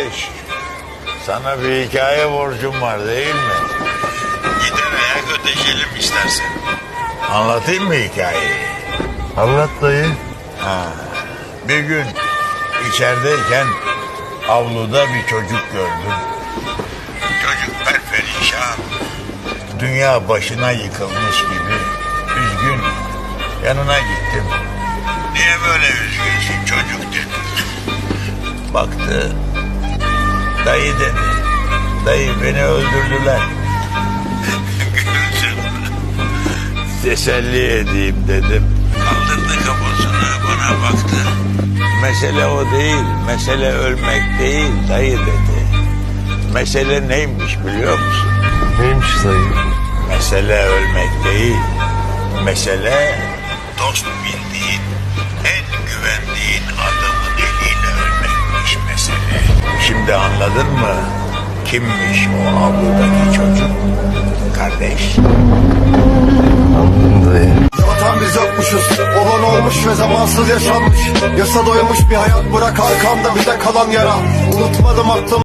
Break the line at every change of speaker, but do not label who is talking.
kardeş, sana bir hikaye borcum var değil mi? Gider ayak ödeşelim istersen. Anlatayım mı hikayeyi?
Anlat dayı.
Bir gün içerideyken avluda bir çocuk gördüm. Çocuk perperişan, dünya başına yıkılmış gibi üzgün. Yanına gittim. Niye böyle üzgünsün çocuk dedim. Baktı. Dayı dedi. Dayı beni öldürdüler. Gülsün. Teselli edeyim dedim. Kaldırdı kafasını bana baktı. Mesele o değil. Mesele ölmek değil dayı dedi. Mesele neymiş biliyor musun?
Neymiş dayı?
Mesele ölmek değil. Mesele dost bildiğin, en güvendiğin adamın eliyle ölmekmiş mesele. Şimdi anladın mı? Kimmiş o avludaki çocuk? Kardeş.
Anladım dayı.
Vatan biz yokmuşuz, olan olmuş ve zamansız yaşanmış. Yasa doymuş bir hayat, bırak arkamda bir de kalan yara. Unutmadım aklım.